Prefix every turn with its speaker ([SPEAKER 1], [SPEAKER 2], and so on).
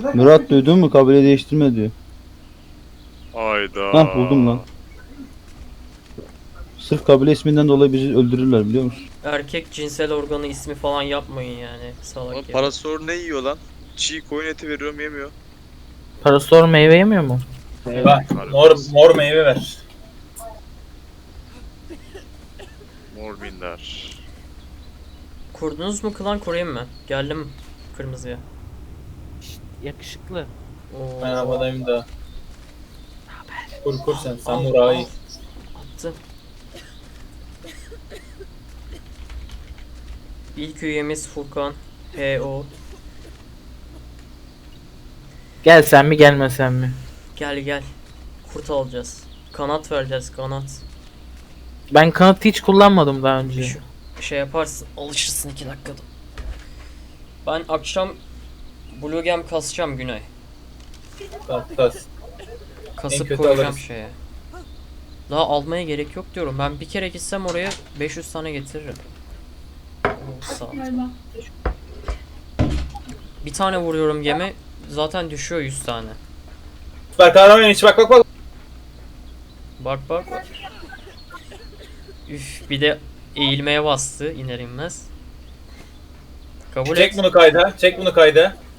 [SPEAKER 1] Murat duydun mu? Kabile değiştirme diyor.
[SPEAKER 2] Hayda.
[SPEAKER 1] Hah buldum lan. Sırf kabile isminden dolayı bizi öldürürler biliyor musun?
[SPEAKER 3] Erkek cinsel organı ismi falan yapmayın yani. Salak
[SPEAKER 2] Oğlum
[SPEAKER 3] ya.
[SPEAKER 2] parasor ne yiyor lan? Çiğ koyun eti veriyorum yemiyor.
[SPEAKER 4] Parasol meyve yemiyor mu?
[SPEAKER 5] Meyve. Mor meyve ver.
[SPEAKER 2] Mor minder.
[SPEAKER 3] Kurdunuz mu klan, kurayım mı? Geldim kırmızıya.
[SPEAKER 4] Yakışıklı.
[SPEAKER 3] Oo.
[SPEAKER 5] Ben havadayım da. Kur sen. Samuray.
[SPEAKER 3] Attım. İlk üyemiz Furkan. H.O.
[SPEAKER 4] Gel sen mi gelmesen mi?
[SPEAKER 3] Gel gel. Kurt alacağız. Kanat vereceğiz, kanat.
[SPEAKER 4] Ben kanıtı hiç kullanmadım daha önce.
[SPEAKER 3] Şey yaparsın, alışırsın 2 dakikada. Ben akşam Blue Gem kasacağım Güney.
[SPEAKER 5] Tas. En
[SPEAKER 3] Kasıp
[SPEAKER 5] kötü
[SPEAKER 3] koyacağım
[SPEAKER 5] alırız.
[SPEAKER 3] şeye. Daha almaya gerek yok diyorum. Ben bir kere gitsem oraya 500 tane getiririm. Oo, sağ ol. Bir tane vuruyorum gemi zaten düşüyor 100 tane.
[SPEAKER 5] Süper kahraman hiç bak.
[SPEAKER 3] Bak bak bak. Üf, bir de eğilmeye bastı iner inmez. Kabul
[SPEAKER 5] Çek
[SPEAKER 3] et.
[SPEAKER 5] bunu kayda.